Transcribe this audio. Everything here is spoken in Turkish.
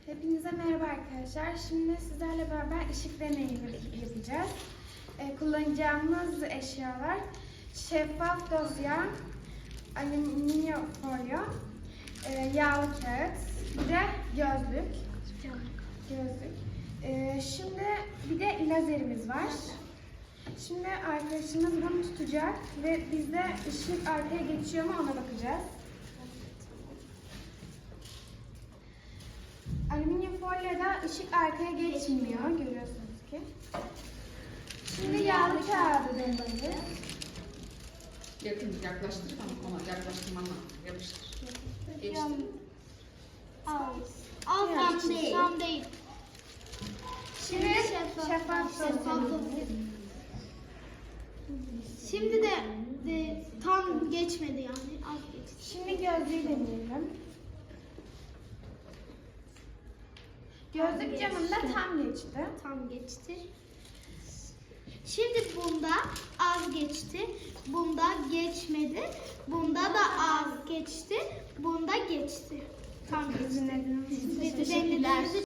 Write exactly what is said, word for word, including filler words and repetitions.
Hepinize merhaba arkadaşlar. Şimdi sizlerle beraber ışık deneyimi yapacağız. Ee, kullanacağımız eşyalar şeffaf dosya, alüminyum folyo, e, yağlı kağıt, bir de gözlük. Gözlük. Ee, şimdi bir de lazerimiz var. Şimdi arkadaşımız bunu tutacak ve biz de ışık arkaya geçiyor mu ona bakacağız. Alüminyum folyoda ışık arkaya geçmiyor, görüyorsunuz ki. Şimdi yağlı kağıdı deneyelim. Yakın yaklaştır ama ona yaklaştırmanla yapıştır. Geçti. Al. Al tam değil. Tam değil. Şimdi şeffaf dosya. Şimdi de, de tam geçmedi yani. Az geçti. Şimdi gözlüğü deneyelim. Gözlük camında tam geçti. Tam geçti. Şimdi bunda az geçti. Bunda geçmedi. Bunda da az geçti. Bunda geçti. Tam geçti. Dinlediğiniz için Teşekkürler.